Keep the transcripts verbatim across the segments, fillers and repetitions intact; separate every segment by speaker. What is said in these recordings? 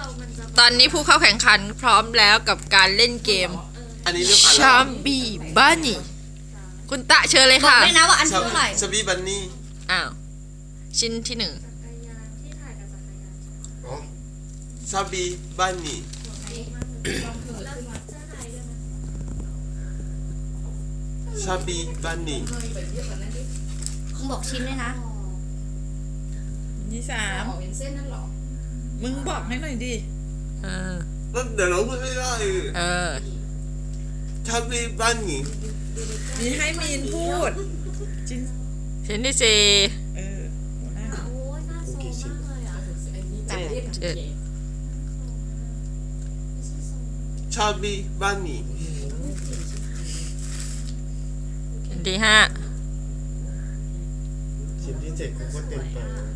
Speaker 1: ตอนนี้ผู้เข้าแข่งขันพร้อมแล้วกับการเล่นเกม
Speaker 2: อันนี้เริ่มอ่าน
Speaker 1: ชามบีบ้านี่คุณตะเชิญเลย
Speaker 3: บอก
Speaker 1: ค่ะ
Speaker 3: ด้วยนะว่าอันที่เท่าไหร่
Speaker 2: ชาบีบันนี่
Speaker 1: อ้าวชิ้นที่หนึ่ง
Speaker 2: ชาบีบันนี่ชาบีบันนี่
Speaker 3: คุณบอกชิ้นด้วยนะ
Speaker 4: ยี่สามมึงบอกให้หน่อยดิ
Speaker 1: เออ
Speaker 2: แล้วเดี๋ยวเราพูดไม่ได้
Speaker 1: เออ
Speaker 2: ชาบีบันนี่
Speaker 4: มีให้มีนพูดจิน
Speaker 1: ชิ้นที่สี่
Speaker 4: เออหัวหน้า
Speaker 1: เจ็ดเจ็ด
Speaker 2: ชาบีบันนี่
Speaker 1: ชิ้นที่ห้า
Speaker 5: ชิ้นที่เจ็ดกูก็เต็มไป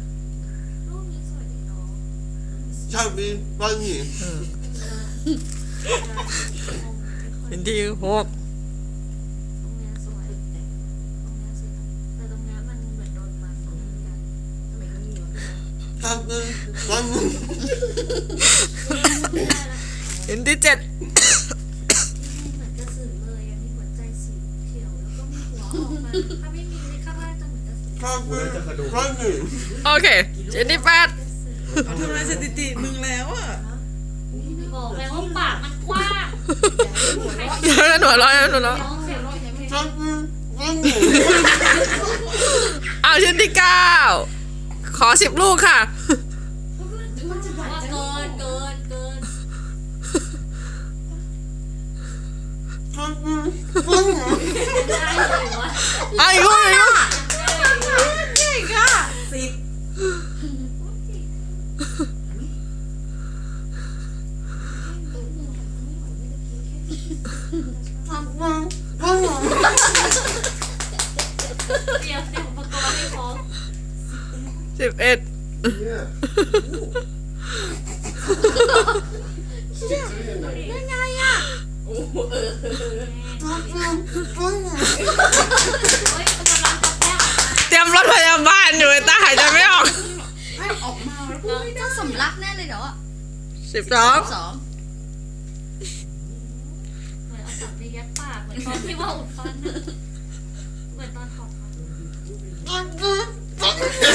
Speaker 2: ชาบีบันนี่
Speaker 1: ชิ้นที่หก
Speaker 2: ชาบีบันนี่
Speaker 1: ชิ้นที่เจ็ด
Speaker 2: ชาบีบันนี่
Speaker 1: โอเคชิ้นที่แปด
Speaker 4: เขาทำลายสถิติมึงแล้วอ่ะ
Speaker 6: บอกแล้วว่าปากมันกว้าง
Speaker 1: เดี๋ยวหนูร้อยหนูร้อย
Speaker 2: ชาบีบันนี่
Speaker 1: เอาชิ้นที่เก้าขอสิบลูกค่ะ
Speaker 6: ว่าเกินเกินเกิน
Speaker 2: ชาบีบันนี่
Speaker 6: ได้เลยวะ
Speaker 1: เอาอีกลูกอีกลูก
Speaker 4: เก่งอ่ะสิบ
Speaker 6: เตรียมเตรียมอุปกรณ์ให้พร้อม
Speaker 1: สิบเอ็ด
Speaker 5: เนี่ย
Speaker 3: ยังไงอ่ะ
Speaker 6: เฮ้ยกำลังจะแก้
Speaker 1: เตรียมรถพยาบาลอยู่ไอ้ตาหายใจไม่ออก
Speaker 4: ให้ออกมาแล้วพูดไม่ได้
Speaker 3: ต้องสำลักแน่เลยเดี๋ยวอ่ะ
Speaker 1: สิบสอง
Speaker 3: สอง
Speaker 6: เหมือนเอาสับไปยัดปากเหมือนตอนที่ว่าอุดฟันอะเหมือนตอนถอดฟัน
Speaker 2: ชาบีบันนี่